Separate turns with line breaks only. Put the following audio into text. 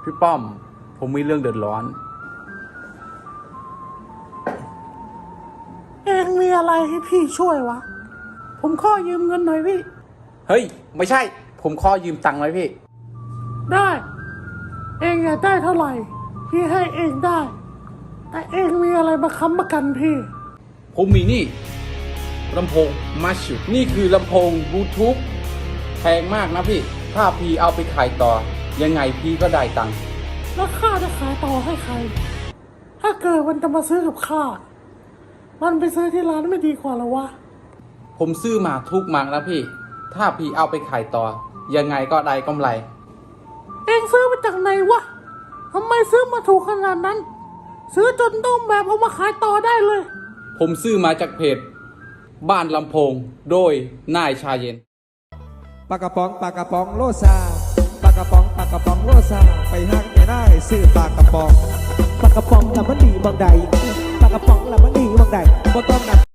พี่ป้อมผมมีเรื่องเดือดร้อน
เองมีอะไรให้พี่ช่วยวะผมขอยืมเงินหน่อยพี่
เฮ้ยไม่ใช่ผมขอยืมตังค์ไว้พี่
ได้เองอยากได้เท่าไหร่พี่ให้เองได้แต่เองมีอะไรมาค้ำประกันพี่
ผมมีนี่ลำโพงมาชูนี่คือลำโพงบลูทูธแพงมากนะพี่ถ้าพี่เอาไปขายต่อยังไงพี่ก็ได้ตังค์
แล้วข้าจะขายต่อให้ใครถ้าเกิดมันจะมาซื้อกับข้ามันไปซื้อที่ร้านไม่ดีกว่าหรอวะ
ผมซื้อมาทุกมังแล้วพี่ถ้าพี่เอาไปขายต่อยังไงก็ได้กำไร
เองซื้อมาจากไหนวะทำไมซื้อมาถูกขนาดนั้นซื้อจนต้องแบบเอามาขายต่อได้เลย
ผมซื้อมาจากเพจบ้านลำโพงโดยนายชาเย็น
ปากกระป๋องโลซาปากกระป๋องโลซาไปหักไม่ได้ซื้อปากกระป๋อง
ละมันดีบางใดปากกระป๋องละมันดีบางใด
บ่ต้องน